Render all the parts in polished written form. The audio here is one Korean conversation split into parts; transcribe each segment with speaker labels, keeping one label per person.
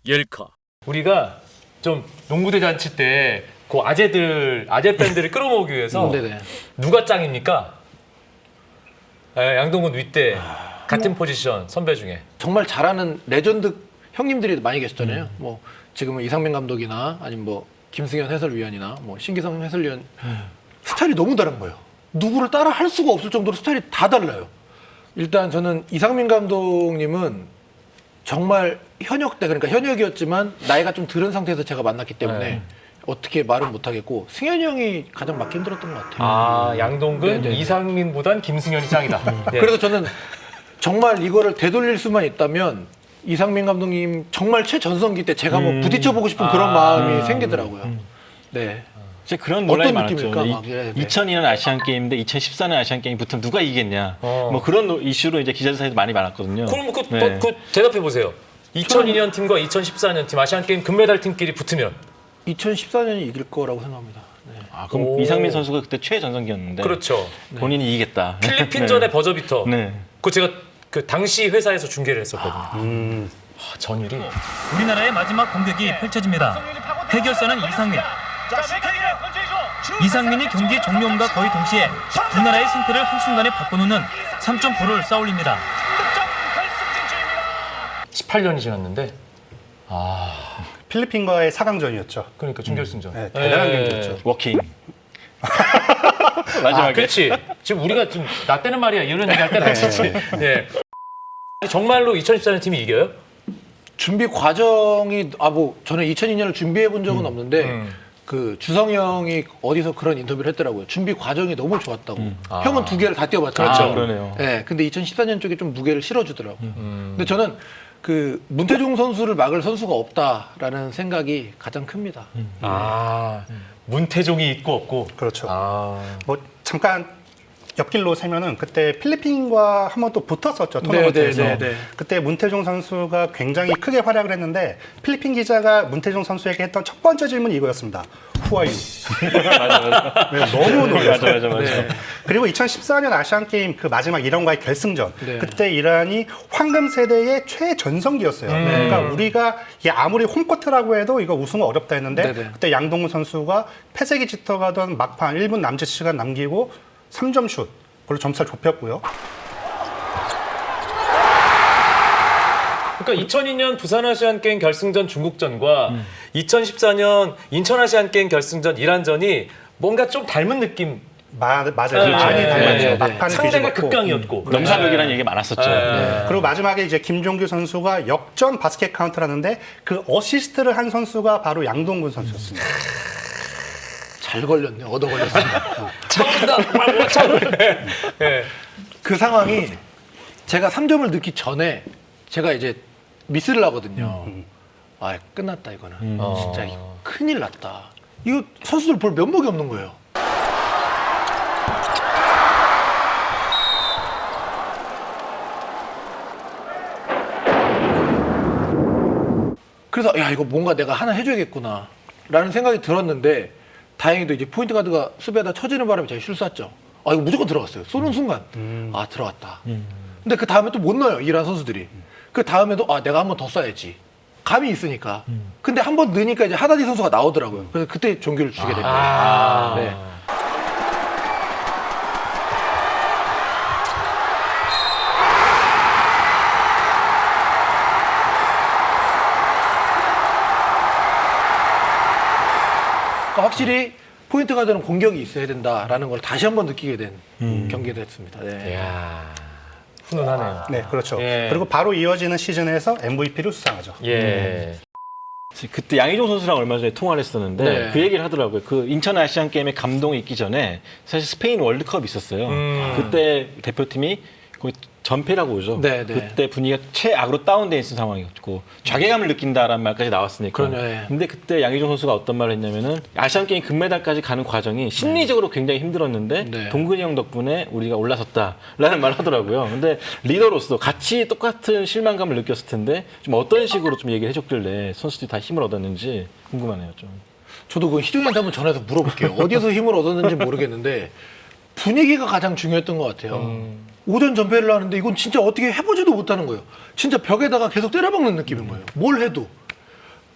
Speaker 1: 열카.
Speaker 2: 우리가 좀 농구대 잔치 때 그 아재 팬들을 끌어모으기 위해서
Speaker 3: 네네.
Speaker 2: 누가 짱입니까? 양동근 윗대 같은 포지션 선배 중에.
Speaker 3: 정말 잘하는 레전드 형님들이 많이 계셨잖아요. 뭐 지금은 이상민 감독이나 아니면 뭐 김승현 해설위원이나 뭐 신기성 해설위원 스타일이 너무 다른 거예요. 누구를 따라 할 수가 없을 정도로 스타일이 다 달라요. 일단 저는 이상민 감독님은 정말 현역 때, 그러니까 현역이었지만 나이가 좀 들은 상태에서 제가 만났기 때문에 어떻게 말은 못하겠고, 승현이 형이 가장 맞기 힘들었던 것 같아요.
Speaker 2: 양동근,
Speaker 3: 네네.
Speaker 2: 이상민보단 김승현이 짱이다. 예.
Speaker 3: 그래서 저는 정말 이거를 되돌릴 수만 있다면 이상민 감독님 정말 최전성기 때 제가 뭐 부딪혀보고 싶은 그런 마음이 생기더라고요. 네.
Speaker 4: 이제 그런 논란이
Speaker 3: 어떤
Speaker 4: 많았죠.
Speaker 3: 느낌일까? 막 이래야 돼.
Speaker 4: 2002년 아시안 게임인데 2014년 아시안 게임 붙으면 누가 이기겠냐. 뭐 그런 이슈로 이제 기자들 사이에서 많이 많았거든요.
Speaker 2: 그럼
Speaker 4: 네.
Speaker 2: 그 대답해 보세요. 2002년 팀과 2014년 팀 아시안 게임 금메달 팀끼리 붙으면
Speaker 3: 2014년이 이길 거라고 생각합니다. 네.
Speaker 4: 그럼
Speaker 2: 오.
Speaker 4: 이상민 선수가 그때 최전성기였는데
Speaker 2: 그렇죠.
Speaker 4: 본인이 이기겠다.
Speaker 2: 필리핀전의 버저비터.
Speaker 4: 네.
Speaker 2: 그 제가 그 당시 회사에서 중계를 했었거든요. 전율이.
Speaker 5: 우리나라의 마지막 공격이 펼쳐집니다. 해결사는 이상민. 이상민이 경기 종료음과 거의 동시에 두 나라의 승패를 한순간에 바꿔놓는 3점포를 쌓아올립니다.
Speaker 2: 18년이 지났는데
Speaker 6: 필리핀과의 4강전이었죠.
Speaker 2: 그러니까 준결승전.
Speaker 6: 네, 대단한 경기였죠.
Speaker 4: 워킹. 마지막에.
Speaker 2: 그렇지. 지금 우리가 지금 나 때는 말이야 이런 얘기할 때는 아니지. 네. 정말로 2014년 팀이 이겨요?
Speaker 3: 준비 과정이 뭐 저는 2002년을 준비해 본 적은 없는데 그 주성이 형이 어디서 그런 인터뷰를 했더라고요. 준비 과정이 너무 좋았다고. 형은 두 개를 다 뛰어봤잖아요.
Speaker 4: 그렇죠. 그러네요.
Speaker 3: 네, 근데 2014년 쪽에 좀 무게를 실어주더라고요. 근데 저는 그 문태종 선수를 막을 선수가 없다라는 생각이 가장 큽니다.
Speaker 2: 문태종이 있고 없고.
Speaker 6: 그렇죠. 뭐 잠깐 옆길로 세면은 그때 필리핀과 한 번 또 붙었었죠. 토너먼트에서.
Speaker 3: 네.
Speaker 6: 그때 문태종 선수가 굉장히 크게 활약을 했는데 필리핀 기자가 문태종 선수에게 했던 첫 번째 질문이 이거였습니다. Who are you? 네, 너무 놀랐어요.
Speaker 4: 맞아.
Speaker 3: 네.
Speaker 6: 그리고 2014년 아시안 게임 그 마지막 이란과의 결승전.
Speaker 3: 네.
Speaker 6: 그때 이란이 황금 세대의 최전성기였어요. 그러니까 우리가 이게 아무리 홈코트라고 해도 이거 우승은 어렵다 했는데
Speaker 3: 네네.
Speaker 6: 그때 양동근 선수가 패색이 짙어가던 막판 1분 남짓 시간 남기고 3점 슛. 그걸로 점수를 좁혔고요.
Speaker 2: 그러니까 2002년 부산 아시안 게임 결승전 중국전과 2014년 인천 아시안 게임 결승전 이란전이 뭔가 좀 닮은 느낌.
Speaker 6: 맞아요.
Speaker 2: 그렇죠.
Speaker 6: 많이 닮았죠.
Speaker 2: 네.
Speaker 6: 막판을
Speaker 2: 상대가
Speaker 6: 뒤집었고.
Speaker 2: 극강이었고.
Speaker 4: 넘사벽이라는 얘기 많았었죠. 네.
Speaker 6: 그리고 마지막에 이제 김종규 선수가 역전 바스켓 카운트를 하는데 그 어시스트를 한 선수가 바로 양동근 선수였습니다.
Speaker 3: 잘 걸렸네. 얻어 걸렸습니다.
Speaker 2: 네.
Speaker 3: 그 상황이 제가 3점을 넣기 전에 제가 이제 미스를 하거든요. 끝났다 이거는. 진짜 이거 큰일 났다. 이거 선수들 볼 면목이 없는 거예요. 그래서 야 이거 뭔가 내가 하나 해줘야겠구나 라는 생각이 들었는데 다행히도 이제 포인트 가드가 수비하다 쳐지는 바람에 제가 슛 쐈죠. 이거 무조건 들어갔어요. 쏘는 순간 들어갔다. 근데 그 다음에 또 못 넣어요. 이란 선수들이. 그 다음에도 내가 한 번 더 쏴야지. 감이 있으니까. 근데 한 번 넣으니까 이제 하다디 선수가 나오더라고요. 그래서 그때 종교를 주게 됩니다. 네. 그러니까 확실히 포인트 가드는 공격이 있어야 된다라는 걸 다시 한번 느끼게 된 경기가 됐습니다. 네.
Speaker 2: 이야, 훈훈하네요.
Speaker 6: 네, 그렇죠.
Speaker 2: 예.
Speaker 6: 그리고 바로 이어지는 시즌에서 MVP를 수상하죠.
Speaker 2: 예.
Speaker 4: 그때 양희종 선수랑 얼마 전에 통화를 했었는데
Speaker 3: 네.
Speaker 4: 그 얘기를 하더라고요. 그 인천 아시안 게임에 감동이 있기 전에 사실 스페인 월드컵이 있었어요. 그때 대표팀이 거의 전패라고 오죠.
Speaker 3: 네, 네.
Speaker 4: 그때 분위기가 최악으로 다운돼 있는 상황이었고 자괴감을 느낀다라는 말까지 나왔으니까.
Speaker 3: 그럼요, 예.
Speaker 4: 근데 그때 양희종 선수가 어떤 말을 했냐면은 아시안 게임 금메달까지 가는 과정이 심리적으로 굉장히 힘들었는데
Speaker 3: 네.
Speaker 4: 동근이 형 덕분에 우리가 올라섰다라는 말을 하더라고요. 근데 리더로서 같이 똑같은 실망감을 느꼈을 텐데 좀 어떤 식으로 좀 얘기를 해줬길래 선수들이 다 힘을 얻었는지 궁금하네요, 좀.
Speaker 3: 저도 그 희종이한테 한번 전화해서 물어볼게요. 어디서 힘을 얻었는지 모르겠는데 분위기가 가장 중요했던 것 같아요. 오전 전패를 하는데 이건 진짜 어떻게 해보지도 못하는 거예요. 진짜 벽에다가 계속 때려박는 느낌인 거예요. 뭘 해도.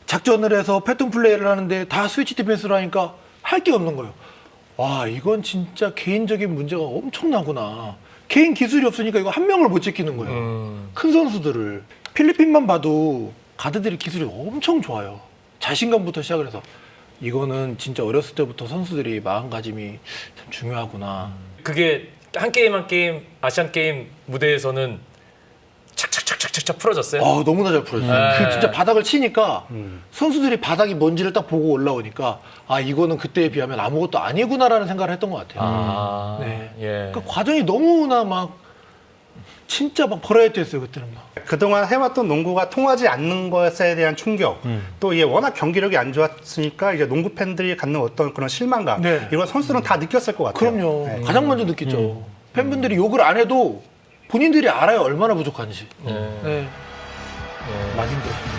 Speaker 3: 작전을 해서 패턴 플레이를 하는데 다 스위치 디펜스를 하니까 할 게 없는 거예요. 와, 이건 진짜 개인적인 문제가 엄청나구나. 개인 기술이 없으니까 이거 한 명을 못 지키는 거예요. 큰 선수들을. 필리핀만 봐도 가드들이 기술이 엄청 좋아요. 자신감부터 시작을 해서 이거는 진짜 어렸을 때부터 선수들이 마음가짐이 참 중요하구나.
Speaker 2: 그게 한 게임 한 게임 아시안 게임 무대에서는 착착착착착 풀어졌어요.
Speaker 3: 너무나 잘 풀어졌어요. 그 진짜 바닥을 치니까 선수들이 바닥이 뭔지를 딱 보고 올라오니까 아, 이거는 그때에 비하면 아무것도 아니구나라는 생각을 했던 것 같아요. 네.
Speaker 2: 예.
Speaker 3: 그 과정이 너무나 막 진짜 막 버라이어티했어요 그때는 막.
Speaker 6: 그동안 해왔던 농구가 통하지 않는 것에 대한 충격, 또 이게 워낙 경기력이 안 좋았으니까 이제 농구 팬들이 갖는 어떤 그런 실망감,
Speaker 3: 네.
Speaker 6: 이건 선수들은 다 느꼈을 것 같아요.
Speaker 3: 그럼요.
Speaker 6: 네.
Speaker 3: 가장 먼저 느끼죠. 팬분들이 욕을 안 해도 본인들이 알아요 얼마나 부족한지.
Speaker 2: 네.
Speaker 3: 네. 많이 힘들었습니다.